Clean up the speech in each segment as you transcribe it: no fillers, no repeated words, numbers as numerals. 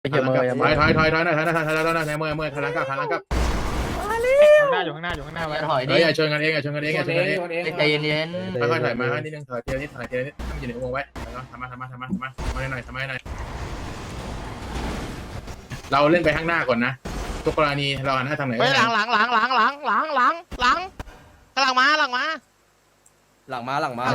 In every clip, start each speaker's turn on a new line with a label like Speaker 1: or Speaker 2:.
Speaker 1: เฮียเมย์
Speaker 2: ถอยหน่อยถอยหน่อยถอยหน่อยเมื่อยถอยหลังกลับข้างหน้าอยู่ข้างหน้าไว้ถอยดิอย่าชนกันเอง
Speaker 1: ใจเย็น
Speaker 2: ค่อยๆถอยมานิดนึงถอยเทียนิดถอยเทียนิดต้องอยู่ในวงไว้ทำมาให้หน่อยเราเล่นไปข้างหน้าก่อนนะทุกกรณีเราหันหน้าทางไหน
Speaker 3: หลังกำลังมา
Speaker 1: หลังมา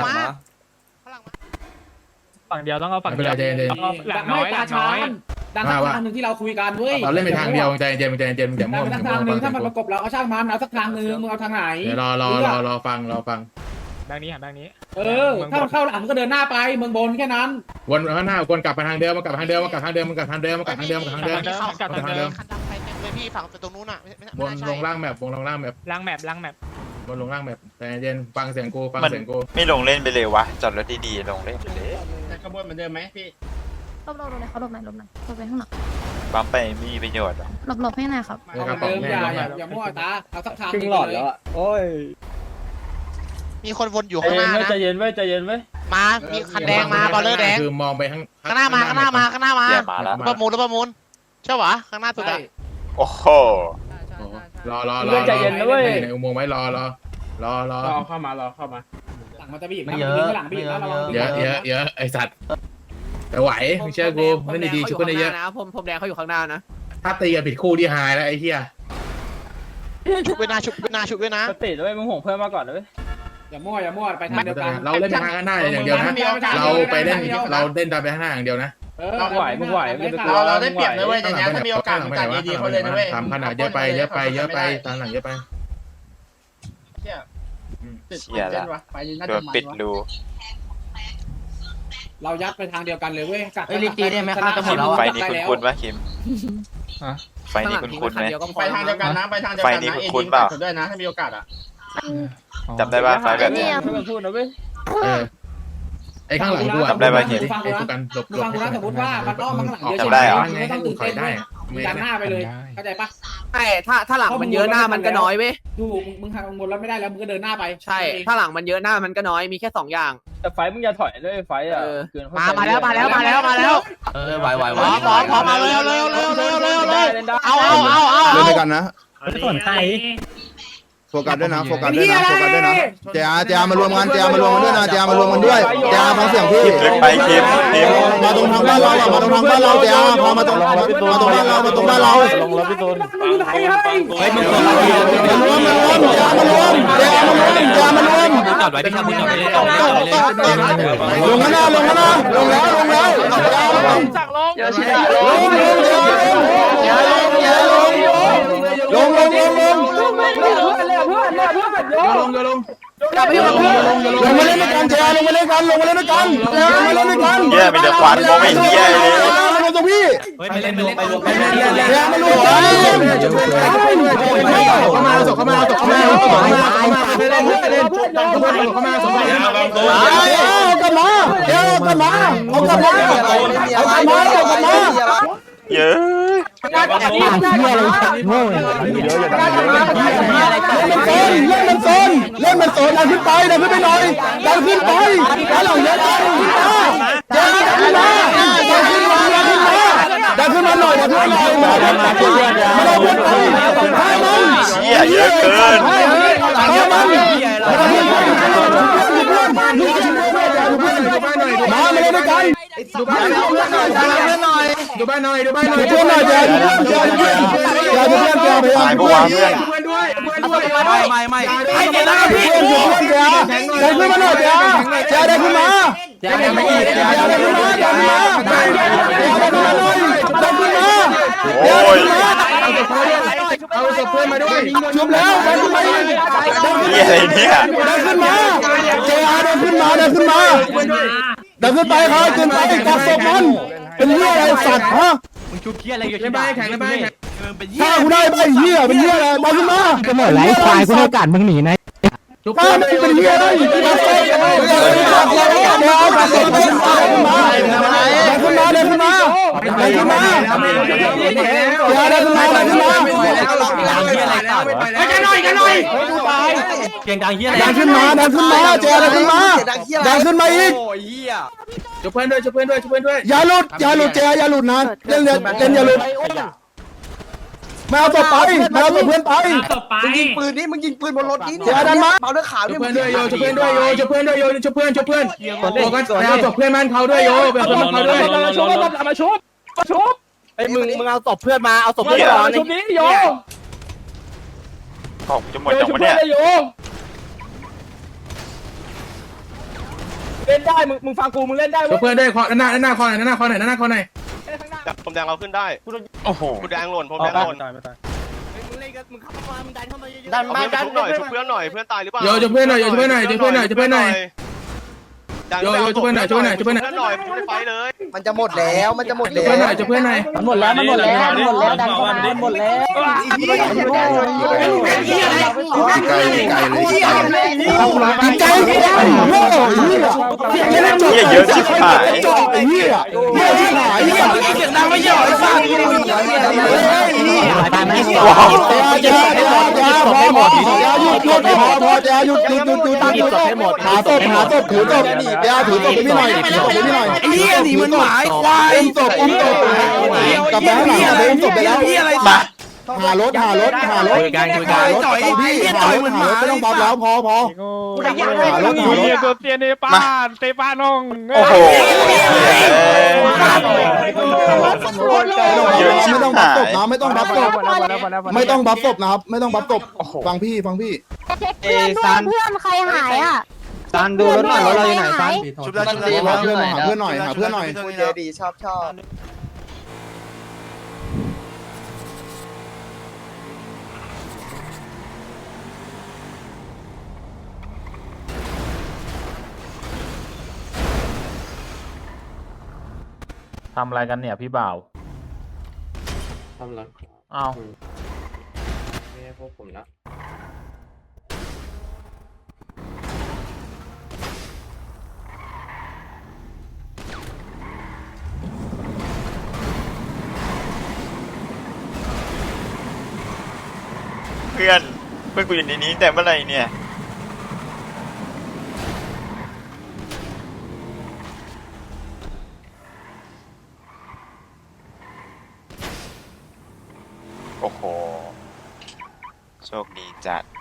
Speaker 4: ฝั่งเดียวต้องเอาฝั่ง
Speaker 2: ไม่เป็นไรใจเย็น
Speaker 4: หลังน้อยหลังน้อย
Speaker 5: ดังทางหนึ่งที่เราคุยกันเว้ย
Speaker 2: เราเล่นไปทางเดียวใจเย็นอย่า
Speaker 5: ดั
Speaker 2: มั่ว
Speaker 5: งทางหนึ่งถ้ามันประกบเราเอาช่างมันเอาสักทางหนึ่งมึงเอาทางไหน
Speaker 2: เดี๋ยวรอฟัง
Speaker 4: ดังนี้หันดังนี้
Speaker 5: ถ้ามันเข้าหลังก็เดินหน้าไปเมืองบนแค่นั้น
Speaker 2: วนข้างหน้าวนกลับไปทางเดิมกลับทางเดิม
Speaker 3: พี่ฝั่งตรงนู้นอ่ะ
Speaker 2: วนลงล่างแมป
Speaker 4: ล้างแมป
Speaker 2: วนลงล่างแมปแต่เย็นฟังเสียงกู
Speaker 6: ไม่ลงเล่นไปเลยวะจอดรถดีๆลงเล่นไปเลย
Speaker 5: ขบวนเหมือนเดิมไหมพี่
Speaker 7: หลบหน่อยเขาหลบหน่อยหลบไปข้างหลัง
Speaker 6: ปั๊มไปไม่มีประโยชน์หรอ
Speaker 7: หลบให้หน่อยครับ
Speaker 5: เอาเดิมอย่ามั่วตาเอาสักทาง
Speaker 1: ครึ่งหลอดแล้วโอ้ย
Speaker 3: มีคนวนอยู่ข้างหน้านะ
Speaker 1: ใจเย็นไว้
Speaker 3: มามีคันแดงมาบอลเลอร์แดง
Speaker 2: คือมองไปข้าง
Speaker 3: หน้ามาประมูลใช่ปะข้างหน้าสุดอะ
Speaker 6: โอ้โห
Speaker 2: รอในอุโมงค์ไว้รอ
Speaker 5: เข้ามาหลังมันจะบีบ
Speaker 1: ไม่เยอะ
Speaker 2: เยอะไอสัตว์แต่ไหวเชื่อกูเล่นดีๆชุบกันเยอะ
Speaker 3: นะผมแดงเขาอยู่ข้างหน้านะ
Speaker 2: ถ้าตีกันผิดคู่ที่หายแล้วไอ้เหี้ย
Speaker 3: ชุบด้วยนะ
Speaker 1: สติด้วยมึงห่วงเพื่อนมาก่อนเลย
Speaker 5: อย่ามั่วไปทางเดียวกัน
Speaker 2: เราเล่นไปทางข้างหน้าอย่างเดียวนะเราเล่นตามไปข้างหน้าอย่างเดียวนะ
Speaker 1: มึงไหว
Speaker 5: เราได้เปรียบเลยเว้ยแต่ถ้ามีโอกาสมึงกัดดีๆเขาเลยนะเว้ย
Speaker 2: ทำขนาดเยอะไปตามหลังเยอะไป
Speaker 6: เชี่ยละโดนปิดรู
Speaker 5: เรายัดไปทางเดียวกันเลยเว้ย
Speaker 1: ลิจีได้ไหมครับจะหมดแล้ว
Speaker 6: ไฟนี้คุ้นๆป่ะคิมไฟนี้คุ้นๆไหม
Speaker 5: ไปทางเดียวกันนะไปทางเดียวกันนะ
Speaker 6: คุ้นๆเปล่า
Speaker 5: ด้วยนะถ้ามีโอกาสอ่ะ
Speaker 6: จำได้ป่ะไฟแบบนี้
Speaker 1: พูดนะเว้ย
Speaker 2: ไอ้ข้างหลังกูไอ้กูกันหลบ
Speaker 5: ฟังกูนะสมมติว่ามันอ้อมมาข้างหลังเยอะ
Speaker 2: จำ
Speaker 5: ใช่ไหม
Speaker 2: ได้เหรอ
Speaker 5: ไม่ต้องตื่นเต้นเลยดันหน้าไปเลยเข้าใจปะ
Speaker 3: ใช่ถ้าหลังมันเยอะหน้ามันก็น้อยเว้ย
Speaker 5: ดูมึงทางบนแล้วไม่ได้แล้วมึงก็เดินหน้าไป
Speaker 3: ใช่ถ้าหลังมันเยอะหน้ามันก็น้อยมีแค่2อย่าง
Speaker 1: แต่ไฟมึงอย่าถอยด้วยไฟอ่ะ
Speaker 3: มาแล้ว
Speaker 1: ไหว
Speaker 3: พอมาเร็วเอา
Speaker 8: เล่นด้วยกันนะ
Speaker 4: ส่วนใคร
Speaker 8: โฟกัสด้วยนะเจ้ามารวมกันด้วยนะเจ้ามารวมกันด้วยเจ้าฟังเสียงพี่
Speaker 6: ลึกไปคิม
Speaker 8: มาตรงทางบ้านเราเจ้าพอมาตรงบ้านเรา
Speaker 1: ลงแล้วพี่ตูน
Speaker 8: มารวม
Speaker 1: จอดไว้พี่ครับพี่จอดไว้
Speaker 8: ลงแล้วลงมาเล่นด้วยกันเจ้าลงมาเล่นกัน
Speaker 6: เหี้ยมีแต่ควันมองไม่เหี้ยเลย
Speaker 8: มาตรงพี่
Speaker 1: ไปเล่นเจ้ามารวมกัน
Speaker 2: เข้ามาเข้ามาเข้ามา
Speaker 6: เยอะ
Speaker 8: เล่นมันโซนดันขึ้นไปหน่อยดันขึ้นหลังเยอะดันขึ้นมาหน่อย
Speaker 6: เชี่ยเยอะเกิน
Speaker 8: มาเลยด้วยกัน
Speaker 2: ดูบ้านหน่อย
Speaker 8: เพื่อนหน่อย
Speaker 6: ตายปะวะเพื่อน
Speaker 1: ไม่
Speaker 8: ให้เดี๋ยวนะพี่ได้ขึ้นมาหน่อยได้ขึ้นมา
Speaker 6: โอ้ย
Speaker 2: เอาศพเพื่อนมาด้วย
Speaker 8: ชุบแล้วได้ขึ้นมา
Speaker 6: เหี้ยอะไรเนี่ย
Speaker 8: ได้ขึ้นมาเจ้าได้ขึ้นไปครับขึ้นไปกับศพมันเป็นเรื่องอะไรสัตว์ฮะ
Speaker 1: มึงชุบเหี้ยอะไรอยู่
Speaker 2: ใน
Speaker 1: ที่
Speaker 2: บ้า
Speaker 1: บ้าน น
Speaker 2: แข่งในบ้านแข่ง
Speaker 8: ถ้ากูได้ไปเหี้ยเป็นเหี้ยอะไรมาขึ้นมา
Speaker 1: ก็เหมือนไรควายกูให้การมึงหนีนะ
Speaker 2: ทุกค
Speaker 8: ป้าน ไม่เป็นเหี้ยได้กับศพขึ้นมาเดินขึ้นมาเดินขึ้นมาเดินขึ้นมาเดินขึ้นมา
Speaker 2: กันหน่อยกันหน่อย
Speaker 1: เสียงดังเฮียอะไร
Speaker 8: เดินขึ้นมาเดินขึ้นมาเจเดินขึ้นมาเดินขึ้นมาอีก
Speaker 2: ช่วยเพื่อนด้วยช่วยเพื่อนด้วยช่วยเพื่อนด้วย
Speaker 8: อย่าหลุดเจอย่าหลุดนะเล่นอย่าหลุดไม่เอาตัวไปไม่เอาตัวเพื่อนไป
Speaker 4: ต่อไป
Speaker 6: ยิงปืนนี่มึงยิงปืนบนรถนี่
Speaker 8: เจดันมา
Speaker 6: เบาเรื่องขาว
Speaker 2: ช่วย
Speaker 6: นี่
Speaker 2: เพื่อนด้วยโยช่วยเพื่อนด้วยโยช่วยเพื่อนด้วยโยช่วยเพื่อนช่วยเพื่อนโอ้กันแล้วจบเพื่อนมันเขาด้วยโยแบบเพื่อนมันเขาด้วย
Speaker 4: ชุบ
Speaker 1: ไอ้มึงเอาศพเพื่อนมาเอาศพเพื่อนก่อน
Speaker 4: ชุบนี้โย
Speaker 3: ของจะหมดจังวะเนี่ย
Speaker 4: เล่นได้มึงฟังกูมึงเล่นได้
Speaker 2: ช่วยเพื่อนด้วยคอหน้าคอไหนหน้าคอไหนหน้าคอไหน
Speaker 3: ผมแดงเราขึ้นได้โอ้โหผมแดงหล่นผมแดงหล่น
Speaker 6: ดันมาดัน
Speaker 3: หน่อยช่วยเพื่อนหน่อยเพื่อนตายหรือเปล่า
Speaker 2: โยช่วยเพื่อนหน่อยโยช่วยเพื่อนหน่อยช่วยเพื่อนหน่อยช่วยเพื่อนหน่อยโยโยช่วยเพื่อนหน่อยช่วยเพื่อนหน่อยช่วยเพื่อนหน่อย
Speaker 3: เพื่อนหน่อยไม่ได้ไปเลย
Speaker 6: มันจะหมดแล้วมันจะหมด
Speaker 2: ช่วย
Speaker 6: แล้
Speaker 2: เพื่อนหน่
Speaker 6: ว
Speaker 2: อยช่วยเพื่อนหน่อย
Speaker 4: มันหมดแล้วดันเข้ามาหมดแล้ว
Speaker 8: ไกลโง่เยอะชิบหายเหี้ยชิบหายเหี้ย
Speaker 1: เสียงดังไม่เยอะไอ้สัตว์ตายไหม
Speaker 8: พอหยุดหาศพถือศพถือศพพี่หน่อยไอ้เหี้ยหนีมันหมายควายอุ้มศพกลับไปข้างหลังอุ้มศพไปแล้วหารถพี่หารถไม่ต้องบัฟแล้วพอหารถ
Speaker 4: ตัวเตียนเตปานง
Speaker 3: โอ้โห
Speaker 8: ไม่ต้องบัฟศพนะไม่ต้องบัฟศพไม่ต้องบัฟศพนะครับไม่ต้องบัฟศพฟังพี่
Speaker 7: เพื่อนใครหายอ่ะ
Speaker 1: ซันดูรถหน่อยรถเราอยู่ไหนซัน
Speaker 8: หาเพื่อนหน่อย
Speaker 6: เจดีชอบ
Speaker 4: ทำอะไรกันเนี่ยพี่บ่าว
Speaker 1: ทำไร
Speaker 4: อ้าว
Speaker 1: ไม่ใช่พวกผมนะ
Speaker 3: เพื่อนกูอยู่ในนี้แต่เมื่อไหร่เนี่ยโอ้โหโชคดีจัด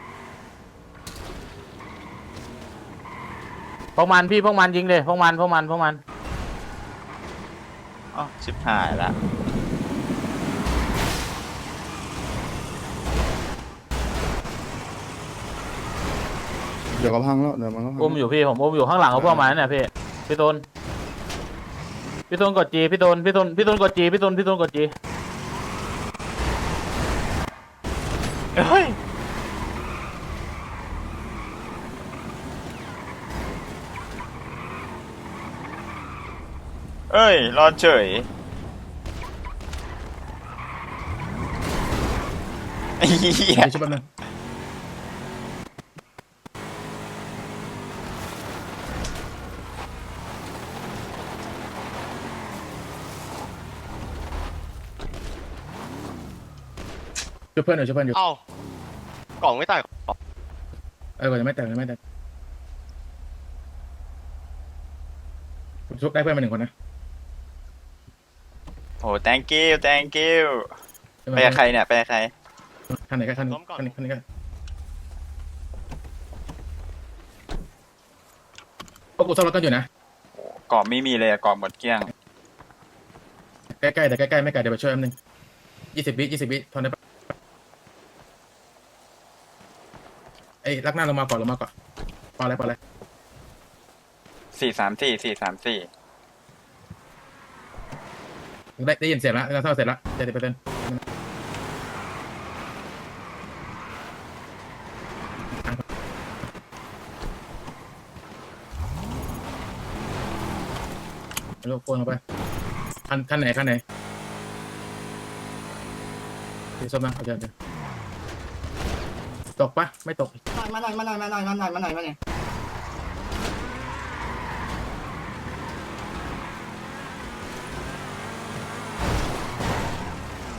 Speaker 4: พวกมันยิงเลยพวกมัน
Speaker 3: อ๋อชิบหายละ
Speaker 8: เดี๋ยวก็พังแล้วเดี๋ยวมันก็พัง
Speaker 4: อุ้มอยู่พี่ผมอุ้มอยู่ข้างหลังของพวกมันเนี่ยพี่ตูนกดจีพี่ตูนกดจีพี่ตูนกดจี
Speaker 3: เฮ้ยเอ้ยรอดเฉยไอ้เหี้ย
Speaker 2: ช่วยแป๊บนึงช่วยเพื่อนหน่อยช่วยเพื่อนอยู่
Speaker 3: เอ้ากล่องไม่ตาย
Speaker 2: ก่อนจะไม่แตกชุบได้เพื่อนมา1 คนนะ
Speaker 3: โอ้ thank you ไปกับใครเนี่ยไปกับใคร
Speaker 2: คันไหนก็คันนี้ก็พวกกูซ่อมรถกันอยู่นะ
Speaker 3: กล่องไม่มีเลยกล่องหมดเกลี้ยง
Speaker 2: ใกล้ๆแต่ใกล้ๆไม่ไกลเดี๋ยวไปช่วยแป๊บนึง20 วิทนได้ปะไอ้ลักหน้าลงมาก่อนพออะไร
Speaker 3: 434
Speaker 2: ได้ยินเสียงแล้วเราเท่าเสร็จแล้ว70%ลูกโคนเข้าไปคันไหนสีส้มนะเอาเดี๋ยวตกปะไม่ตก
Speaker 6: มาหน่อย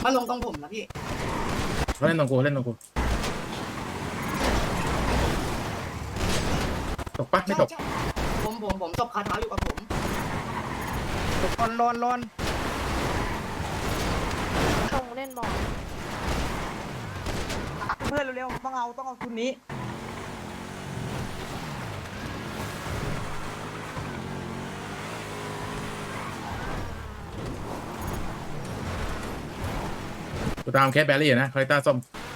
Speaker 1: มาลงตรงผมนะพี่
Speaker 2: เล่นตรงกูตกปะไม่ตก
Speaker 1: ผมตบคาเท้าอยู่กับผม
Speaker 6: ลอน
Speaker 7: ส่งเล่นบอล
Speaker 1: เพื่อนเร็วๆต้องเอาทุนนี้
Speaker 2: กูตามแคทแบรี่นะคาริต้าส้ม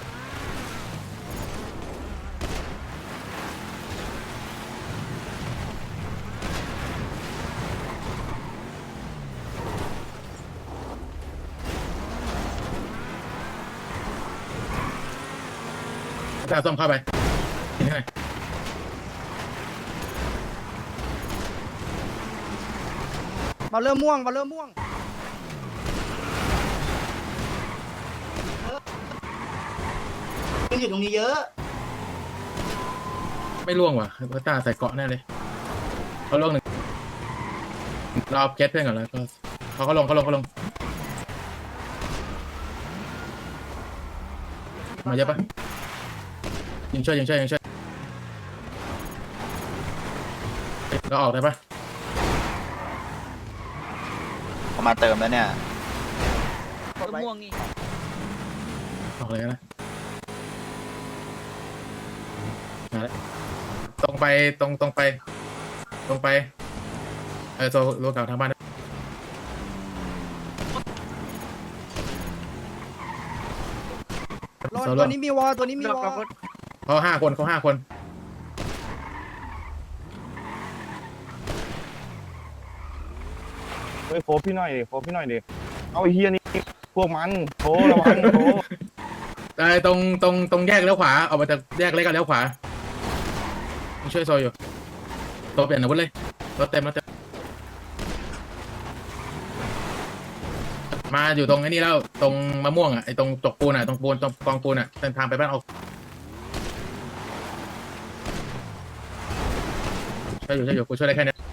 Speaker 2: คาริต้าส้มเข้าไปนี่ไง
Speaker 6: มาเริ่มม่วง
Speaker 1: อยู่ตรงนี้เยอะ
Speaker 2: ไม่ล่วงว่ะคาริต้าใส่เกาะแน่เลยเขาล่วงหนึ่งเราเอาแคทเพื่อนก่อนแล้วก็เขาลงมาเยอะปะยิงช่วยเราออกได้ปะ
Speaker 9: เขามาเติมแล้วเนี่ย
Speaker 1: ม่วงนี่
Speaker 2: ออกเลยนะมาแล้วตรงไปโซโลกาทางบ้าน
Speaker 6: ตัวนี้มีวอล
Speaker 2: เขาห้าคน
Speaker 8: เฮ้ยโฟพี่หน่อยดิเอาไอ้เฮียนี่พวกมันโฟระวังโฟ
Speaker 2: ตรงแยกเลี้ยวขวาออกมาจากแยกเล็กกับเลี้ยวขวาช่วยโซอยู่โซเปลี่ยนอาวุธเลยรถเต็มมาอยู่ตรงไอ้นี่แล้วตรงมะม่วงอ่ะไอ้ตรงจกปูนอ่ะตรงกองปูนอ่ะเส้นทางไปบ้านออกช่วยอยู่กูช่วยได้แค่นี้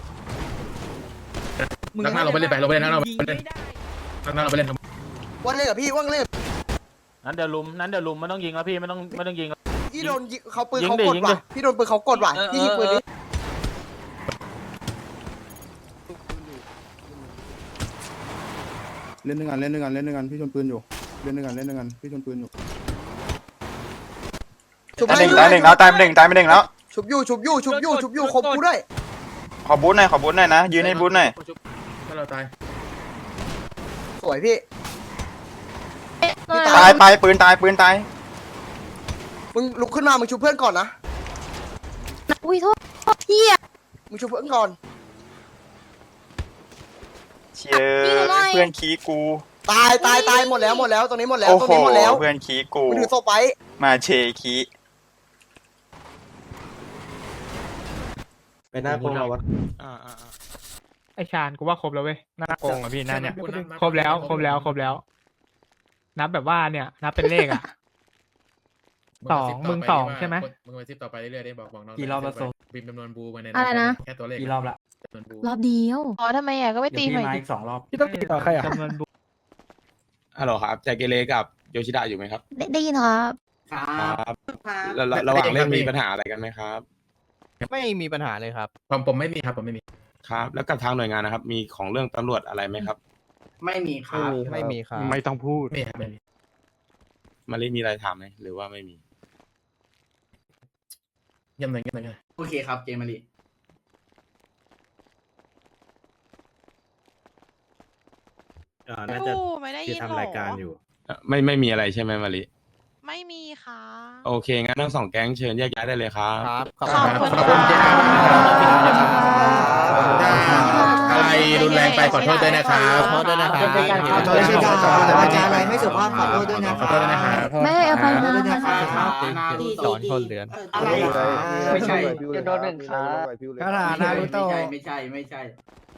Speaker 2: นักหน้าเราไปเล่นนักหน้าเราไปเล่นทำ
Speaker 1: ว่างเล่นกับพี่ว่างเล่น
Speaker 4: นั้นเดี๋ยวลุมไม่ต้องยิงแล้วพี่ไม่ต้องยิง
Speaker 1: พี่โดนเขาปืนเขากดว่ะพี่โดนปืนเขากดว่ะพี่ยิงปืนนี้
Speaker 8: เล่นด้วยกันพี่ชนปืนอยู่เล่นด้วยกันพี่ชนปืนอยู่
Speaker 9: ตายหนึ่งแล้วตายไปหนึ่งแล้ว
Speaker 1: ชุบอยู่ครบกูด้วย
Speaker 9: ขอบูทหน่อยนะยืนให้บูทหน่อย
Speaker 2: ถ้าเราตาย
Speaker 1: สวยพี่
Speaker 9: ตายไปปืนตาย
Speaker 1: มึงลุกขึ้นมามึงชุบเพื่อนก่อนนะ
Speaker 7: อุ้ยโทษพี่อะ
Speaker 1: มึงชุบเพื่อนก่อน
Speaker 9: เชียเพื่อนขี้กู
Speaker 1: ตายหมดแล้วตรงนี้หมดแล้ว
Speaker 9: โอ้
Speaker 1: ตรง
Speaker 9: โห
Speaker 1: นี้หมดแล้ว
Speaker 9: เพื่อนขี้กู
Speaker 1: มึงถือโซ่ไป
Speaker 9: มาเชขี้
Speaker 8: ไปหน้าโกงเราวะ
Speaker 5: ไอชาญกูว่าครบแล้วเว้ยหน้าโกงอ่ะพี่หน้าเนี่ยครบแล้ว นับแบบว่าเนี่ยนับเป็นเลขอ่ะ มึงสองใช่ไหม
Speaker 2: มึงไปซิปต่อไปเรื่อยๆได้บอกน้อง
Speaker 6: กี่รอบแล้วโซ
Speaker 2: บิมจำนวนบูมาใน
Speaker 7: อะไรนะ
Speaker 2: แค่ตัวเลข
Speaker 6: กี่รอบละ
Speaker 2: จำนวนบู
Speaker 7: รอบเดียวอ๋อทำไมอ่ะก็ไม่ตีใหม่ดิ
Speaker 6: 2 รอบ
Speaker 5: พี่ต้องติดต่อใครอ่ะจำนวนบุ
Speaker 8: ฮัลโหลครับแจ็คเกเลกับโยชิดะอยู่ไหมครับ
Speaker 7: ได้ยินครับ
Speaker 8: ครับระหว่างเล่นมีปัญหาอะไรกันไหมครับ
Speaker 6: ไม่มีปัญหาเลยครับ
Speaker 2: ผมไม่มีครับผมไม่มี
Speaker 8: ครับแล้วกับทางหน่วยงานนะครับมีของเรื่องตำรวจอะไรไหมครับ
Speaker 1: ไม่มีครับ
Speaker 6: ไม่มีครับ
Speaker 8: ไม่ต้องพูด
Speaker 2: ไม่ครับไม่มี
Speaker 8: มารีมีอะไรถามไหมหรือว่าไม่มี
Speaker 2: เยี่ยมเลย
Speaker 1: โอเคครับเจมารี
Speaker 10: น่าจะไม่ได้ยินทำรายการอยู่
Speaker 8: ไม่มีอะไรใช่ไหมมารี
Speaker 10: ไม่มีค่ะ
Speaker 8: โอเคงั้นทั้งสองแก๊งเชิญแยกย้ายได้เลยครับ
Speaker 10: ขอบคุณ
Speaker 2: ขอบคุณเจ้าอะไรรุนแรงไปขอโทษด้วยนะครับ
Speaker 6: ขอโทษด้วยนะครับ
Speaker 1: ขอโทษด้วยนะครับอาจารย์อะไรไม่สุภาพขอโทษด้วยนะ
Speaker 2: ขอโทษด้วยนะครับ
Speaker 7: ไม่ให้อภัยนะ
Speaker 6: สอนคนเหลือน
Speaker 1: อะไรไม่ใช่
Speaker 6: คาถานารุโตะ
Speaker 1: ไม่ใช่